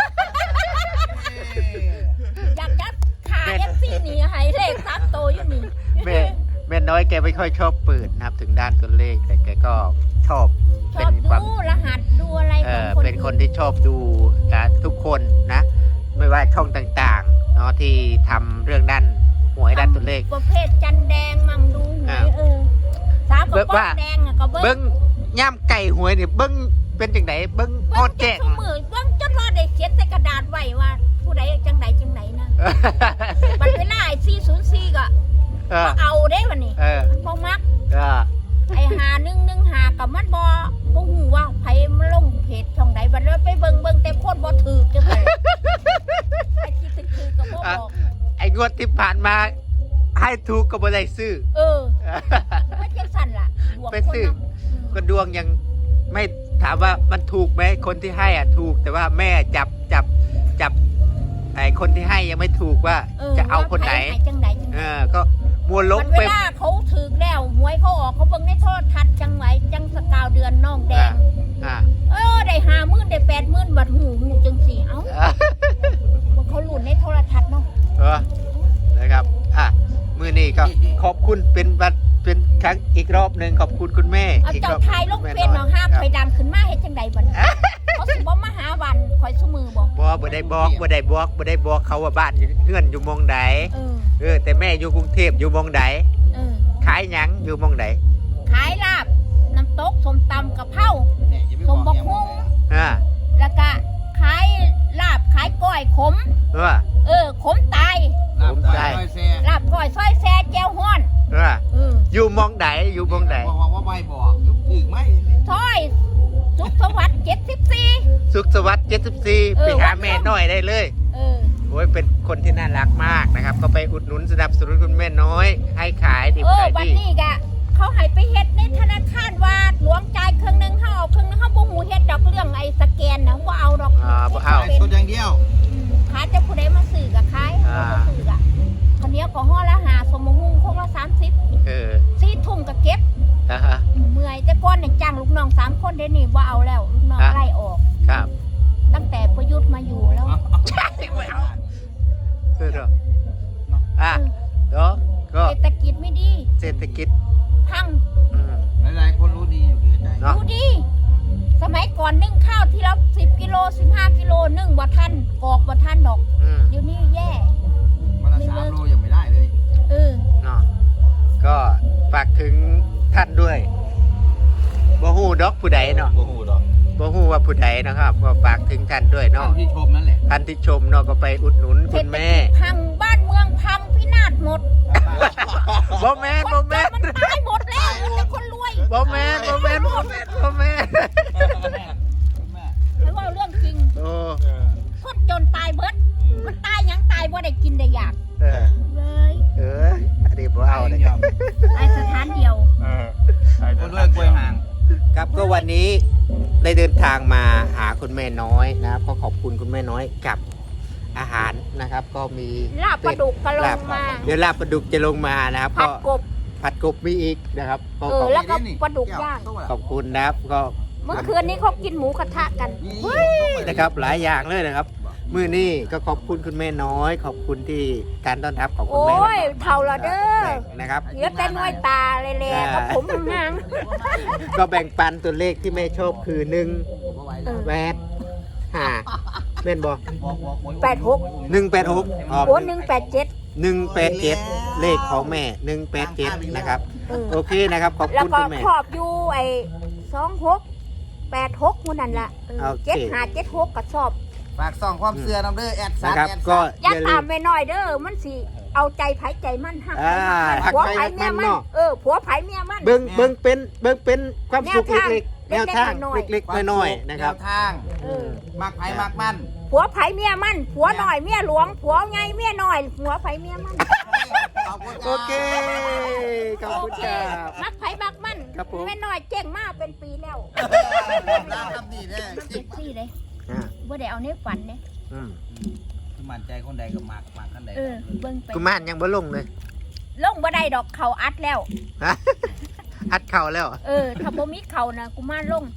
[SPEAKER 2] อยากจะขาย เอฟซีนี่ให้เลขสามโตวอยู่นี่
[SPEAKER 1] แม่แม่น้อยแกไม่ค่อยชอบเปิดนะครับ ถึงด้านตัวเลขแต่แกก็ชอบ
[SPEAKER 2] ช
[SPEAKER 1] เป็
[SPEAKER 2] อบ
[SPEAKER 1] นความ
[SPEAKER 2] ดูรหัสดูอะไร
[SPEAKER 1] เอ
[SPEAKER 2] ของ
[SPEAKER 1] อ
[SPEAKER 2] คน
[SPEAKER 1] เป็นคนที่ชอบดูนะทุกคนนะ ไม่ว่าช่องต่างๆเนาะที่ทำเรื่องด้านหวยด้านตัวเลข
[SPEAKER 2] ประเภทจันแดงมั่งดูหว
[SPEAKER 1] อ่า
[SPEAKER 2] ยเออสาวกับ
[SPEAKER 1] เบิ่ง
[SPEAKER 2] ป้อ
[SPEAKER 1] ว่า
[SPEAKER 2] งแดงอะก็เบิ้
[SPEAKER 1] เบิ้
[SPEAKER 2] ง
[SPEAKER 1] งย่ำไก่หวยเนี่ยเบิ้งเป็นจังไหนเบิ้งพอ
[SPEAKER 2] เบิ้ง
[SPEAKER 1] แจ้ง
[SPEAKER 2] ทุกมือเบิ้งจนรอได้เขียนใส่กระดาษไว้ว่า ผู้ใดจังใดจังไหนนะบัดเวลาไอ้สี่ศูนย์สี่ก็
[SPEAKER 1] เออ
[SPEAKER 2] เอาได้วันนี้
[SPEAKER 1] เออ
[SPEAKER 2] มันบ่มัก
[SPEAKER 1] เออ
[SPEAKER 2] ไอ้หาหนึ่งหนึ่งหากับมันบ่บ่ฮู้ว่าไผมันลงเพจช่องใดบัดแล้วไปเบิ่งเบิ่งแต่โคตรบ่ถูกจังได๋ไอ้ที่ถือๆก็บ่บอก
[SPEAKER 1] ไอ้งวดที่ผ่านมา ให้ถูกก็บ่ได้ซื้อ
[SPEAKER 2] เออมันจังสั่นล่ะดวง
[SPEAKER 1] ไป
[SPEAKER 2] คน
[SPEAKER 1] ซื้อ
[SPEAKER 2] เนาะ
[SPEAKER 1] ก็ดวงยังไม่ถามว่ามันถูกไหมคนที่ให้อ่ะถูก แต่ว่าแม่จับจับจับไอ้คนที่ให้ยังไม่ถูกว่าจะเอาคนไหน
[SPEAKER 2] ว่าผจังใดจัง
[SPEAKER 1] เอ
[SPEAKER 2] ใด
[SPEAKER 1] อก็มัวล
[SPEAKER 2] มั
[SPEAKER 1] บ
[SPEAKER 2] นเว
[SPEAKER 1] ไป
[SPEAKER 2] ลาเขาถึกแล้วหวยเขาออกเขาเบิ่งในโทรทัศน์จังไหวจังสกาวเดือนน้องแดง
[SPEAKER 1] อ่า
[SPEAKER 2] เออได้ห้าหมื่นได้แปดหมื่นบัดหูหูจังสี่เอ้า
[SPEAKER 1] อ่า
[SPEAKER 2] เขา
[SPEAKER 1] เป็นบัตรเป็นครั้งอีกรอบหนึ่งขอบคุณคุณแม่
[SPEAKER 2] เอา
[SPEAKER 1] อีก
[SPEAKER 2] เจ้าร
[SPEAKER 1] อบ
[SPEAKER 2] ทายลงเฟซหนองห้ามไปดำขึ้นมาเฮ็ดจังใดบัดนี้เขาสิบ่มาหาวันคอยซุมือบ่
[SPEAKER 1] บ่บ่ได้บอกบ่ได้บอกบ่ได้บอกเขาว่าบ้านอยู่เฮือนอยู่หมองใด
[SPEAKER 2] เออ
[SPEAKER 1] เออแต่แม่อยู่กรุงเทพอยู่หมองใด
[SPEAKER 2] เออ
[SPEAKER 1] ขายหยังอยู่หมองใด
[SPEAKER 2] ขายลาบน้ำตกส้มตำกะเพรา
[SPEAKER 3] เนี่ยอย่าไปบอกแกมองเลย
[SPEAKER 1] อ่า
[SPEAKER 2] แล้วก็ขายลาบขายก้อยขม
[SPEAKER 1] เออ
[SPEAKER 2] เออขมตาย
[SPEAKER 3] ลาบตายแซ่
[SPEAKER 2] ลาบก้อยซอยแซ่แจ่วฮ้อน
[SPEAKER 1] เออ
[SPEAKER 2] เออ
[SPEAKER 1] อยู่หมองใดอยู่หมองใด
[SPEAKER 3] บอกว่าไม่บอกถึงไหม
[SPEAKER 2] ซอยสุขสวัสดิ์เจ็ดสิบสี่
[SPEAKER 1] สุขสวัสดิ์เจ็ดสิบสี่
[SPEAKER 2] เออ
[SPEAKER 1] ไปหาแม่น้อยได้เลย
[SPEAKER 2] เออ
[SPEAKER 1] โอ้ยเป็นคนที่น่ารักมากนะครับ ก็ไปอุดหนุนสนับสนุนคุณแม่น้อย ให้ขายดิบ
[SPEAKER 2] เออ
[SPEAKER 1] ขาย
[SPEAKER 2] วัน
[SPEAKER 1] ดี
[SPEAKER 2] นี้กะเขาให้ไปเฮ็ดในธนาคารว่าหลวงจ่ายครึ่งหนึงเฮาเอาครึ่งหนึงเฮาบ่ฮู้เฮ็ดดอกเรื่องไอ้สแกนนะบ่เอาดอก
[SPEAKER 1] อ่าบ่เอา
[SPEAKER 3] ขายสดอย่างเดียว
[SPEAKER 2] อืมขายแต่ผู้ใดมาซื้อก็ขาย
[SPEAKER 1] อ่า
[SPEAKER 2] ผู้บ่ซื้อก็ข้าวเหนียวก็ห่อละห้าสมมุงคงละสามสิบ
[SPEAKER 1] เออ
[SPEAKER 2] สี่ทุ่มก็เก็บ
[SPEAKER 1] อ่าฮะ
[SPEAKER 2] เมื่อยแต่ก่อนเนี่ยจ้างลูกน้องสามคนเดี๋ยวนี้บ่เอาแล้วลูกน้อง
[SPEAKER 1] อ่ะ
[SPEAKER 2] ไล่ออก
[SPEAKER 1] ครับ
[SPEAKER 2] ตั้งแต่ประยุทธ์มาอยู่แล้ว
[SPEAKER 1] เออเด้ออ่ะเด้อก็
[SPEAKER 2] เศรษฐกิจไม่ดี
[SPEAKER 1] เศรษฐกิจ
[SPEAKER 2] พัง
[SPEAKER 1] อืม
[SPEAKER 3] หลายๆคนรู้ดีอยู่ที่ใจ
[SPEAKER 1] เนาะ
[SPEAKER 2] ดูดี สมัยก่อนนึ่งข้าวที่ละสิบกิโลสิบห้ากิโลนึ่งบ่ทันกอกบ่ทันดอก
[SPEAKER 1] อืม
[SPEAKER 2] เดี๋ยวนี้แย่
[SPEAKER 3] วันละสามโลยังไม่ได้เลย
[SPEAKER 2] เออ
[SPEAKER 1] เนาะก็ฝากถึงท่านด้วยบ่ฮู้ดอกผู้ใดเนาะ
[SPEAKER 4] โอ้โหดอก
[SPEAKER 1] บ่ฮู้ว่าผู้ใดนะครับก็ฝากถึงท่านด้วย
[SPEAKER 3] ท่า
[SPEAKER 1] เนาะ
[SPEAKER 3] นที่ชมนั่นแหละ
[SPEAKER 1] ท่านที่ชมเนาะก็ไปอุดหนุน
[SPEAKER 2] เศ
[SPEAKER 1] คุ
[SPEAKER 2] รษ
[SPEAKER 1] ณ
[SPEAKER 2] ฐ
[SPEAKER 1] แม่
[SPEAKER 2] กิจพังบ้านเมืองพังพินาศหมด
[SPEAKER 1] บ่แม่น
[SPEAKER 2] ค
[SPEAKER 1] บ่
[SPEAKER 2] นจ
[SPEAKER 1] แม่
[SPEAKER 2] น
[SPEAKER 1] น
[SPEAKER 2] มันตายหมดแล้วเหลือแต่คนรวย
[SPEAKER 1] บ่แม่นบ่แม่นบ่แม่นบ่แม่น
[SPEAKER 2] ไม่ว่าเรื่องจริง
[SPEAKER 1] โอ้
[SPEAKER 2] คนจนตายเบิดมันตายหยังตายบ่ได้กินได้อยาก
[SPEAKER 1] เออ
[SPEAKER 2] เลย
[SPEAKER 1] เอออันนี้บ่เอาเลย
[SPEAKER 2] ตายสถานเดียว
[SPEAKER 4] เออ
[SPEAKER 3] คนด้วยกล้วยห่าง
[SPEAKER 1] ครับก็วันนี้ได้เดินทางมาหาคุณแม่น้อยนะครับก็ขอบคุณคุณแม่น้อยกับอาหารนะครับ ก็มี
[SPEAKER 2] ลาบปลาดุกกระล
[SPEAKER 1] ลาง บ
[SPEAKER 2] มา
[SPEAKER 1] เดี๋ยวลาบปลาดุกจะลงมานะครับ
[SPEAKER 2] ผั
[SPEAKER 1] ก็
[SPEAKER 2] ดกบ
[SPEAKER 1] ผัดกบมีอีกนะครับก็
[SPEAKER 2] เอ
[SPEAKER 1] ข
[SPEAKER 2] อ
[SPEAKER 1] อบ
[SPEAKER 2] แล้วก็ปลาดุกย่าง
[SPEAKER 1] ขอบคุณนะครับก็
[SPEAKER 2] เมื่อคืนนี้เขากินหมูกระทะกัน
[SPEAKER 1] นะครับหลายอย่างเลยนะครับมื้อนี้ก็ขอบคุณคุณแม่น้อย ขอบคุณที่การต้อนรับของคุณ
[SPEAKER 2] โอ้
[SPEAKER 1] แม่
[SPEAKER 2] ยเท่าละเด้อ
[SPEAKER 1] นะครับ
[SPEAKER 2] เหลือแต่น้อยตาเลยแหละกับผมหาง
[SPEAKER 1] ก็แบ่งปันตัวเลขที่แม่ชอบคือหนึ่ง
[SPEAKER 2] เออ
[SPEAKER 1] แปดห้าแม่นบ่
[SPEAKER 2] แปดหก
[SPEAKER 1] หนึ่งแปดหกออก
[SPEAKER 2] โอ้หนึ่งแปดเจ็ด
[SPEAKER 1] หนึ่งแปดเจ็ดเลขของแม่หนึ่งแปดเจ็ดนะครับ
[SPEAKER 2] เออ
[SPEAKER 1] โอเคนะครับ ขอบ
[SPEAKER 2] แล้ว
[SPEAKER 1] คุณ
[SPEAKER 2] ก็
[SPEAKER 1] คุณแม่
[SPEAKER 2] ครอบอยู่ไอ้สองหกแปดหกมูนั่นละเออ
[SPEAKER 1] โอเค
[SPEAKER 2] เจ็ดห้าเจ็ดหกก็ชอบ
[SPEAKER 3] ฝากส่องความเสื่อน้ำเด้อแอดซั
[SPEAKER 1] นะ
[SPEAKER 3] ด
[SPEAKER 1] ครับ
[SPEAKER 3] แอด
[SPEAKER 1] ก็
[SPEAKER 3] ซัด
[SPEAKER 2] อย่า
[SPEAKER 1] อย่าลื
[SPEAKER 2] ตาม
[SPEAKER 1] ม
[SPEAKER 2] ไปหน่อยเด้อมันสิเอาใจไผใจมันหัก
[SPEAKER 1] อ่าหัก
[SPEAKER 2] ผัว
[SPEAKER 1] ไผ
[SPEAKER 2] ไผ
[SPEAKER 1] หัก
[SPEAKER 2] เมีย
[SPEAKER 1] มั
[SPEAKER 2] มัน น
[SPEAKER 1] เนาะ
[SPEAKER 2] เออผัวไผเมียมัน
[SPEAKER 1] เบิ้งเบิ้งเป็นเบิ้งเป็นความสุข
[SPEAKER 2] แนวทาง
[SPEAKER 1] เล็กๆแนวทาง
[SPEAKER 2] เล็กๆน้อย
[SPEAKER 1] เล็กๆน้อยๆนะครับ
[SPEAKER 3] แวทาง
[SPEAKER 2] เออ
[SPEAKER 3] มักไผ่มักมัน
[SPEAKER 2] ผัวไผเมียมันผัวหน่อยเมียหลวงผัวไงเมียหน่อยผัวไผเมียมัน
[SPEAKER 3] ขอบคุณ
[SPEAKER 1] โอเคขอบคุณครับ
[SPEAKER 2] มักไผมักมัน
[SPEAKER 1] ครับผม
[SPEAKER 2] แม่น้อยเจ๊งมากเป็นปีแล้ว
[SPEAKER 3] น้ำทำดีแน่
[SPEAKER 2] เจ็บซี่เลย
[SPEAKER 1] อ่า
[SPEAKER 2] บ่ได้เอาในฝันเนี่ย
[SPEAKER 1] อืม
[SPEAKER 3] มั่นใจคนใดก็มักมักคนใด
[SPEAKER 2] เออเบิ่งไป
[SPEAKER 1] กุมารยังบ่ลงเลย
[SPEAKER 2] ลงบ่ได้ดอกเขาอัดแล้ว
[SPEAKER 1] ฮะอัดเข่าแล้ว
[SPEAKER 2] เออ ถ้าบ่มีเขานะกูมาลง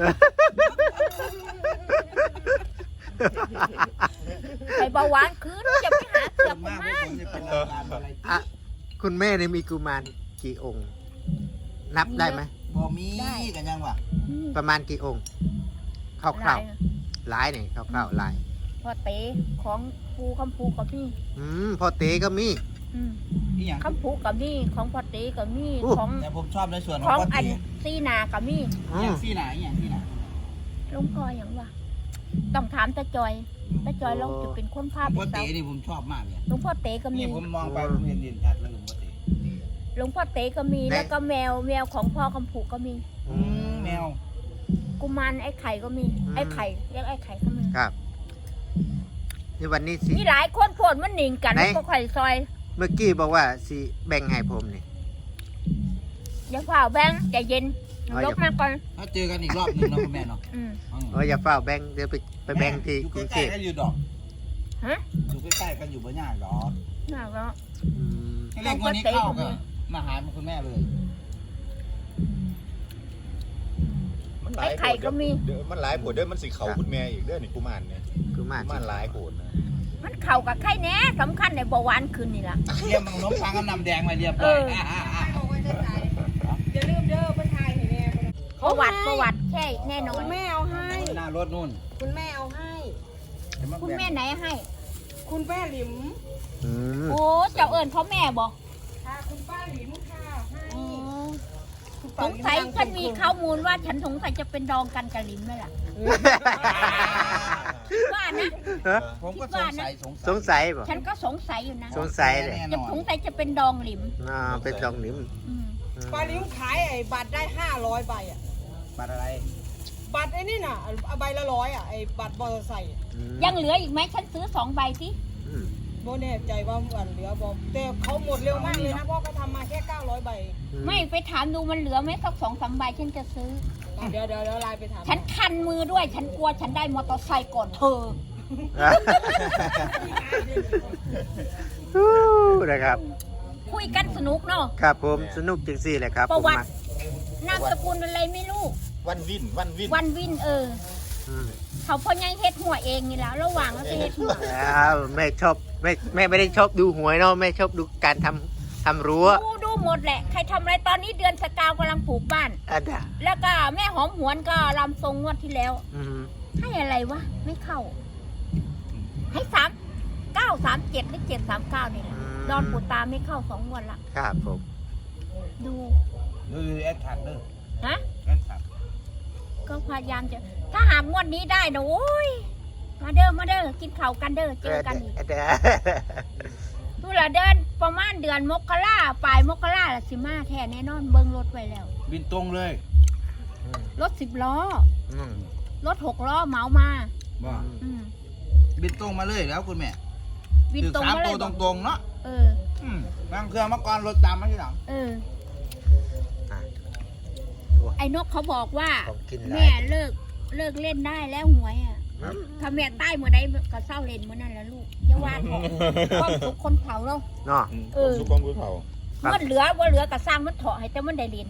[SPEAKER 2] ไปเบาหวานคืนจะไปหาเสือกกู
[SPEAKER 3] มาก
[SPEAKER 2] มาร
[SPEAKER 3] จะเป็นรายการอะไร
[SPEAKER 1] อ่ะคุณแม่เนี่ยมีกุมารกี่องค์ นับได้ไหม
[SPEAKER 3] บ่มีกันยังวะ
[SPEAKER 1] ประมาณกี่องค์ค
[SPEAKER 2] หลา
[SPEAKER 1] ร่าวย ๆหลายเนี่ยคร่าวๆหลาย
[SPEAKER 2] พอเต๋ของภูคำภูกับพี่
[SPEAKER 1] อืมพอเตก็มี
[SPEAKER 2] อืม
[SPEAKER 3] นี่อย่าง
[SPEAKER 2] คำภูกับมีของพอเตกับมี
[SPEAKER 1] อู้
[SPEAKER 2] ของ
[SPEAKER 3] แต่ผมชอบในส่วนข
[SPEAKER 2] ข
[SPEAKER 3] อ
[SPEAKER 2] อง ง
[SPEAKER 3] พ่อ
[SPEAKER 2] อัน
[SPEAKER 3] ตี
[SPEAKER 2] ซีนากับมี
[SPEAKER 1] อื
[SPEAKER 3] อย่าม งที่ไหนอย่างที่ไหน
[SPEAKER 2] ลงกออย่างวะต้องถามตาจอยตาจอยเราจะเป็นคนภาพ
[SPEAKER 3] พ่อ
[SPEAKER 2] เสา
[SPEAKER 3] ตีนี่ผมชอบมากเลย
[SPEAKER 2] หลวงพ่อเตก็มี
[SPEAKER 3] นี่ผมมองไปผมเห็นเด่นชัดเลยหลวงพ่อตี
[SPEAKER 2] หลวงพ่อเตก็มีแล้วก็แมวแมวของพ่อคำผูกก็มี
[SPEAKER 3] อืมแมว
[SPEAKER 2] กุมารไอ้ไข่ก็มีไอ้ไข่เรียกไอ้ไข่ก็มี
[SPEAKER 1] ครับนี่วันนี้สิ
[SPEAKER 2] มีหลายคนโพดมันหนิงกัน
[SPEAKER 1] ไหน
[SPEAKER 2] ก็ไข่ซอย
[SPEAKER 1] เมื่อกี้บอกว่าสิแบ่งให้ผมนี่
[SPEAKER 2] อย่าฝ่าแบงค์ใจเย็น
[SPEAKER 1] เอา
[SPEAKER 2] ล
[SPEAKER 1] อย่า
[SPEAKER 2] บมาก่อน
[SPEAKER 3] ถ้าเจอกันอีกรอบหนึ่งนะคุณแม่เนาะ
[SPEAKER 2] อืม
[SPEAKER 1] เอออย่าเฝ้าแบ่งเดี๋ยวไปไปแบ่งที่
[SPEAKER 3] อยู่
[SPEAKER 1] กรุง
[SPEAKER 3] ใก
[SPEAKER 1] เท
[SPEAKER 3] ล้
[SPEAKER 1] พ
[SPEAKER 3] ๆกันอยู่ดอก
[SPEAKER 2] ฮะ
[SPEAKER 3] อยู่ใกล้ๆกันอยู่บ่ยากดอก
[SPEAKER 2] น่ารัก
[SPEAKER 1] อืม
[SPEAKER 3] ให้เรียกวันนี้เข้าก็มาหาคุณแม่เลย
[SPEAKER 4] มันหลาย
[SPEAKER 2] ไอ้ไข่ก็มี
[SPEAKER 4] เด้อมันหลายผลเด้อมันสิเขาคุณแม่อีกเด้อนี่กุมารเนี่ย
[SPEAKER 1] กุมาร
[SPEAKER 4] กุมารหลายผลนะ
[SPEAKER 2] มันเข่ากับไข่แน่สำคัญในเบาหวานคืนนี่ล่ะ
[SPEAKER 3] เรียมขนมปังกับน้ำแดงมาเรียบร้อย
[SPEAKER 2] เออประวัติประวัติใช่แน่นอ
[SPEAKER 5] คุ
[SPEAKER 2] น
[SPEAKER 5] ณแม่เอาให้
[SPEAKER 3] หน้ารถนู่น
[SPEAKER 5] คุณแม่เอาให้
[SPEAKER 2] คุณแม่ไหนให้
[SPEAKER 5] คุณแม่หลิม
[SPEAKER 1] อืม
[SPEAKER 2] โอ้เจ้าเอิญเขาแม่บอก
[SPEAKER 5] ค่ะคุณป้าหลิมค่ะให้ คุณ
[SPEAKER 2] ส
[SPEAKER 5] ป้าง หลิม
[SPEAKER 2] สัย
[SPEAKER 5] ดั
[SPEAKER 2] ฉันมี
[SPEAKER 5] ค
[SPEAKER 2] ข้อมูลว่าฉันสงสัยจะเป็นดองกันกับลิมไหมล่ะว่านะ
[SPEAKER 1] ฮะ
[SPEAKER 3] ผมก็สงสัยสง
[SPEAKER 1] สงสัยป่ะ
[SPEAKER 2] ฉันก็สงสัยอยู่นะ
[SPEAKER 1] สงสัยเลย
[SPEAKER 3] แน่
[SPEAKER 2] จะ
[SPEAKER 3] นอน
[SPEAKER 2] สงสัยจะเป็นดองลิม
[SPEAKER 1] อ่าเป็นดองหนิม
[SPEAKER 2] อืม
[SPEAKER 1] อืม
[SPEAKER 5] ป้าหลิมขายไอ้บัตรได้ห้าร้อยใบอ่ะ
[SPEAKER 3] บัตรอะไร
[SPEAKER 5] บัตรไอ้นี่น่ะเอาใบละร้อยอ่ะไอ้บัตรมอเตอร์ไซค์
[SPEAKER 1] อืม
[SPEAKER 2] ยังเหลืออีกไหมฉันซื้อสองใบสิ
[SPEAKER 1] อืม
[SPEAKER 5] โบแน่ใจว่าอันเหลือบอกแต่เขาหมดเร็วมากเลยนะเพราะเขาทำมาแค่เก้าร้อยใบ
[SPEAKER 2] ไม่ไปถามดูมันเหลือไหมสักสองสามใบฉันจะซื้อ
[SPEAKER 5] อ่ะเดี๋ยวเดี๋ยวเดี๋ยวไลน์ไปถาม
[SPEAKER 2] ฉันคันมือด้วย ฉันกลัวฉันได้มอเตอร์ไซค์ก่อนเธอ
[SPEAKER 1] ฮู้นะครับ
[SPEAKER 2] คุยกันสนุกเนาะ
[SPEAKER 1] ครับผมสนุกจริงสิเลยครับ
[SPEAKER 2] ประวัติ
[SPEAKER 1] ผมม
[SPEAKER 2] นามสกุลอะไรไม่รู้
[SPEAKER 4] วันวินวันวิน
[SPEAKER 2] วันวินเออ
[SPEAKER 1] อืม
[SPEAKER 2] เขาพ่อยังเฮ็ดหัวเองนี่แล้วระหว่างแล้วไปเฮ็ดหัว
[SPEAKER 1] แล้วแม่ชอบแม่แม่ไม่ได้ชอบดูหวยเนาะแม่ชอบดูการทำทำรั้ว
[SPEAKER 2] ดูดูหมดแหละ ใครทำอะไรตอนนี้เดือนสกาวกำลังปลูกบ้าน
[SPEAKER 1] อันน่ะ
[SPEAKER 2] แล้วก็แม่หอมหวนก็ลำทรงงวดที่แล้ว
[SPEAKER 1] อืม
[SPEAKER 2] ให้อะไรวะ ไม่เข้า ให้สามเก้าสามเจ็ดหรือเจ็ดสามเก้านี่แหละดอนปูตาไม่เข้าสองงวดละ
[SPEAKER 1] ครับผม
[SPEAKER 2] ดู
[SPEAKER 3] ดูแอดทักเด้อ
[SPEAKER 2] ฮะ
[SPEAKER 3] แอดทัก
[SPEAKER 2] ก็พยายามจะ ถ้าหากงวดนี้ได้นะโอ้ย มาเด้อมาเด้อกินข้าวกันเด้อเจอกันอีก
[SPEAKER 1] เด้อ
[SPEAKER 2] ดูละเดินประมาณเดือนมกราปลายมกราละสิมาแท้แน่นอนเบิ้งรถไว้แล้ว
[SPEAKER 3] บินตรงเลย
[SPEAKER 2] รถสิบล้อ
[SPEAKER 1] อืม
[SPEAKER 2] รถหกล้อเหมามา
[SPEAKER 3] บ่
[SPEAKER 2] อืม
[SPEAKER 3] บินตรงมาเลยแล้วคุณแม่
[SPEAKER 2] วินตรง
[SPEAKER 3] สาม
[SPEAKER 2] มาเล
[SPEAKER 3] ตั
[SPEAKER 2] ยว
[SPEAKER 3] ตรงๆเนาะ
[SPEAKER 2] เออ
[SPEAKER 3] อืมบางเครื่องเมื่อก่อนรถตามมาที่หลัง
[SPEAKER 2] เออ
[SPEAKER 1] อ่ะ
[SPEAKER 2] ไอ้นกเขาบอกว่า
[SPEAKER 1] ของกินหลา
[SPEAKER 2] แม่
[SPEAKER 1] ย
[SPEAKER 2] เลิกเลิกเล่นได้แล้วหวยอ่ะ
[SPEAKER 1] ครับ
[SPEAKER 2] ถ้าแม่ใต้เมื่อใดก็เศร้าเล่นเมื่อนั้นแหละลูกอย่าว่าเถอะความสุขคนเผาเรา
[SPEAKER 1] เนาะ
[SPEAKER 2] เออ
[SPEAKER 4] สุกองกุ้ยเผา
[SPEAKER 1] ครับ
[SPEAKER 2] มันเหลือว่าเหลือก็สร้างมันเถาะให้แต่มันได้เล่น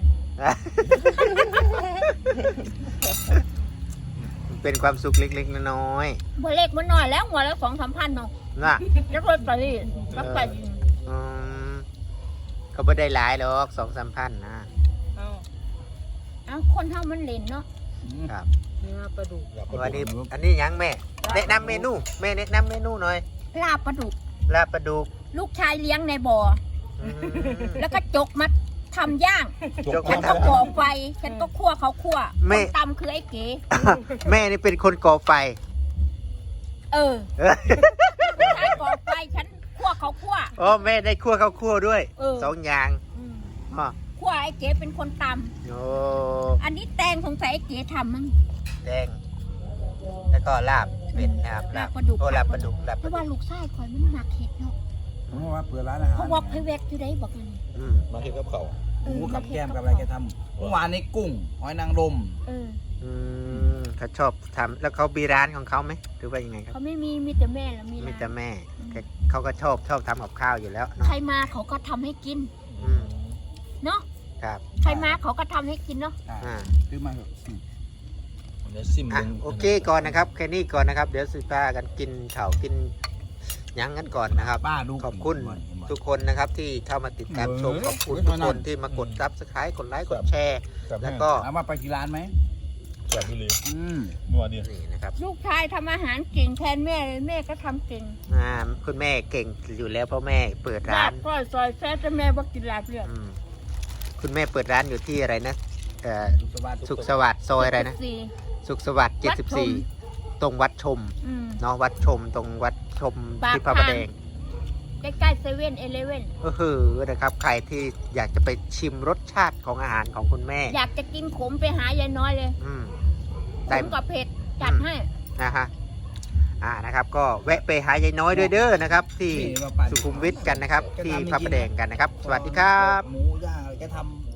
[SPEAKER 1] เป็นความสุขเล็กๆน้อย
[SPEAKER 2] บ่เล็กมันน้อยแล้วหัวละสองสามพันเนาะ
[SPEAKER 1] ๆน่ะ
[SPEAKER 2] แล้วรถไปนี่รับไป
[SPEAKER 1] อืมเขาไม่ได้หลายหรอกสองสามพันนะ
[SPEAKER 5] เอา
[SPEAKER 2] เอ้าคนเฮามันเล่นเนาะ
[SPEAKER 1] ครับ
[SPEAKER 5] เนื้อปลาดุก
[SPEAKER 1] วันนี้อันนี้ยังแม่แนะนำเมนูแม่แนะนำเมนูหน่อย
[SPEAKER 2] ลาบปลาดุก
[SPEAKER 1] ลาบปลาดุก
[SPEAKER 2] ลูกชายเลี้ยงในบ่อ
[SPEAKER 1] อืม
[SPEAKER 2] แล้วก็จกมาทำย่าง
[SPEAKER 1] จก
[SPEAKER 2] ฉั
[SPEAKER 1] มาน ท
[SPEAKER 2] ก็ก่อไฟ ฉันก็คั่วเขาคั่ว
[SPEAKER 1] ไม่
[SPEAKER 2] คนตำคือไอ้เก๋
[SPEAKER 1] แม่นี่เป็นคนก่อไฟ
[SPEAKER 2] เออ
[SPEAKER 1] เออ
[SPEAKER 2] ลูกชายก่อไฟ ฉันคั่วเขาคั่ว
[SPEAKER 1] อ๋อแม่ได้คั่วข้าวคั่วด้วย
[SPEAKER 2] เออ
[SPEAKER 1] สองอย่าง
[SPEAKER 2] อืม
[SPEAKER 1] อ๋อ
[SPEAKER 2] คั่วไอ้เก๋เป็นคนต
[SPEAKER 1] โอ้
[SPEAKER 2] ำอันนี้แตงสงสัยไอ้เก๋ทำมั้ง
[SPEAKER 1] แดงแล้วก็ลาบเป็ดนะครับ
[SPEAKER 2] ลาบปลาดุก
[SPEAKER 1] โอ้ลาบปลาดุกลาบ
[SPEAKER 2] เพ
[SPEAKER 1] ปลา
[SPEAKER 2] ราะ
[SPEAKER 1] ดุ
[SPEAKER 2] ว่าก ลูกชายคอยมันหมักเห็ดเนาะ
[SPEAKER 3] ผมว่าเปิดร้านอาหาร
[SPEAKER 2] เขาบอกให้แวกอยู่ได้บอกกัน
[SPEAKER 1] อืม
[SPEAKER 4] มาเฮ็ดกับเขาว
[SPEAKER 2] เอ
[SPEAKER 3] ห
[SPEAKER 2] อ
[SPEAKER 3] มูกับแก้มกับอะไรแกทำเมื่อวานนี้กุ้งหอยนางรม
[SPEAKER 2] เออ
[SPEAKER 1] อืมเขาชอบทำแล้วเขามีร้านของเขาไหมหรือว่ายังไงครับ
[SPEAKER 2] เขาไม่มีมีแต่แม่แล้วมี
[SPEAKER 1] มี
[SPEAKER 2] ร้าน
[SPEAKER 1] แต่แม่แกเขาก็ชอบชอบทำกับข้าวอยู่แล้วเนาะ
[SPEAKER 2] ใครมาเขาก็ทำให้กิน
[SPEAKER 1] อืม
[SPEAKER 2] เนาะ
[SPEAKER 1] ครับ
[SPEAKER 2] ใครมาเขาก็ทำให้กินเนาะ
[SPEAKER 3] อ่า
[SPEAKER 1] อ่า
[SPEAKER 3] ซื้อมาเถอะอืม
[SPEAKER 4] เดี๋ยวซิม
[SPEAKER 1] อ่ะ
[SPEAKER 4] เบิ่ง
[SPEAKER 1] โอเคก่อนนะครับแค่นี้ก่อนนะครับ เดี๋ยวสิพากันกินข้าวกินหยังกันก่อนนะครับ
[SPEAKER 3] ป้าดู
[SPEAKER 1] ขอบคุณทุกคนนะครับที่เข้ามาติดตามชมขอบคุณทุกคนที่มากดซับสไครต์กดไลค์กดแชร์
[SPEAKER 4] ครับ
[SPEAKER 1] แล้วก็
[SPEAKER 3] ถามว่าไปที่ร้านไหม
[SPEAKER 4] แบบนี้เลย
[SPEAKER 3] อืม
[SPEAKER 4] นัวดี
[SPEAKER 1] นี่นะครับ
[SPEAKER 2] ลูกชายทำอาหารเก่งแทนแม่เลยแม่ก็ทำเก่ง
[SPEAKER 1] อ่าคุณแม่เก่งอยู่แล้วเพราะแม่เปิด
[SPEAKER 2] ลา
[SPEAKER 1] ร้า
[SPEAKER 2] บ
[SPEAKER 1] น
[SPEAKER 2] ก้อยซอยแซ่แต่แม่บ่กินลาบเลือด
[SPEAKER 1] อืมคุณแม่เปิดร้านอยู่ที่อะไรนะเอ่อ
[SPEAKER 3] สุขสวัสดิ์
[SPEAKER 1] สุขสวัสดิ์ซอยอะไรนะ
[SPEAKER 2] สี่
[SPEAKER 1] สุขสวัสดิ์เจ็ดสิบสี่ตรงวัดชม
[SPEAKER 2] อืม
[SPEAKER 1] เนาะวัดชมตรงวัดชม
[SPEAKER 2] ปาก
[SPEAKER 1] ที่พระประแดง
[SPEAKER 2] ใกล้ๆเซเว่นเอเลเว่น
[SPEAKER 1] ก็คือนะครับใครที่อยากจะไปชิมรสชาติของอาหารของคุณแม่
[SPEAKER 2] อยากจะกินขมไปหายายน้อยเลย
[SPEAKER 1] อืม
[SPEAKER 2] ข
[SPEAKER 1] ได้
[SPEAKER 2] มกับเผ็ดจัดให้
[SPEAKER 1] นะฮะอ่านะครับ ก็แวะไปหายายน้อยด้วยเด้อนะครับ ที่
[SPEAKER 3] นี่ว่าป้า
[SPEAKER 1] สุขุมวิทกันนะครับ ที่พระประแดงกันนะครับ สวัสดีครับ
[SPEAKER 3] หมูย่างอะไรแกทำ